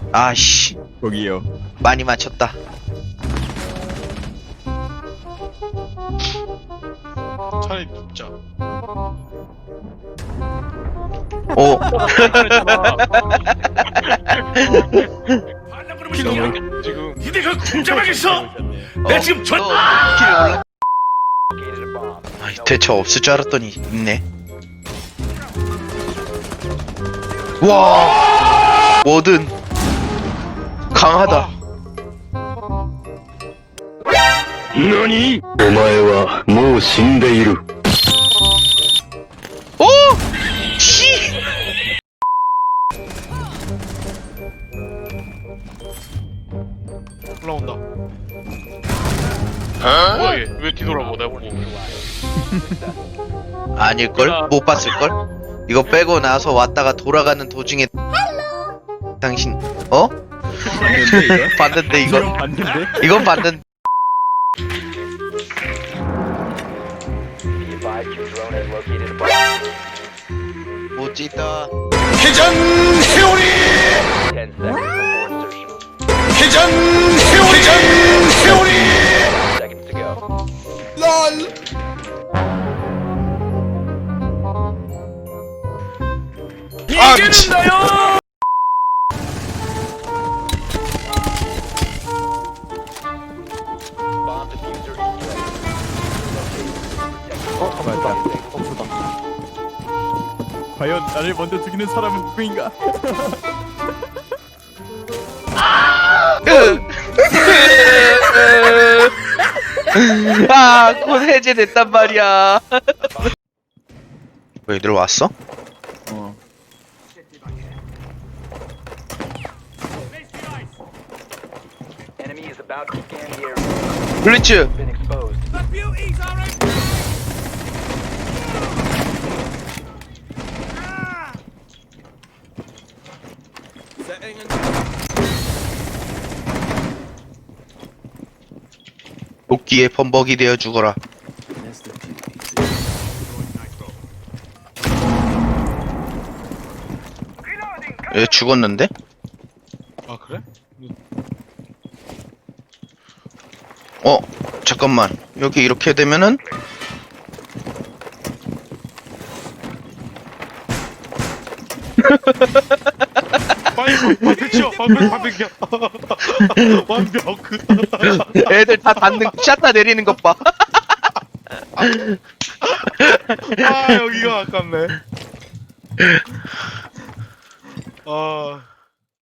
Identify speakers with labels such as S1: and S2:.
S1: 아씨,
S2: 거기요.
S1: 많이 맞췄다.
S3: 차라리 눕자.
S1: 오,
S3: 킬로 지금.
S4: 니네가 공정하겠어? 내 지금 전
S1: 킬 올라. 아이, 대처 없을 줄 알았더니 있네. 와, 뭐든 강하다.
S5: 何お前はもう死んでいる。
S1: 오, 씨.
S3: 올라온다. 뭐야 얘? 왜 뒤돌아보고 나 보고?
S1: 아닐걸? 못 봤을걸? 이거 빼고 나서 왔다가 돌아가는 도중에 당신 어?
S2: 봤는데 이거?
S1: 봤는데 이건?
S2: 봤는데?
S1: 이건 봤는데 멋지다.
S4: 회전 회오리 회전 회오리 회전 회오리 이기는다요.
S2: 맞다. 없었다. 과연 나를 먼저 죽이는 사람은 누구인가?
S1: 아, 곧 해제됐단 말이야. 왜 얘들 왔어?
S2: 어.
S1: 블리츠. 도끼의 범벅이 되어 죽어라. 얘 죽었는데?
S3: 아 그래?
S1: 어, 잠깐만. 여기 이렇게 되면은
S3: 빨리 방패 치워. 방패야. 완벽.
S1: 애들 다 닿는 샷다 내리는 것 봐.
S3: 아 여기가 아깝네. 아.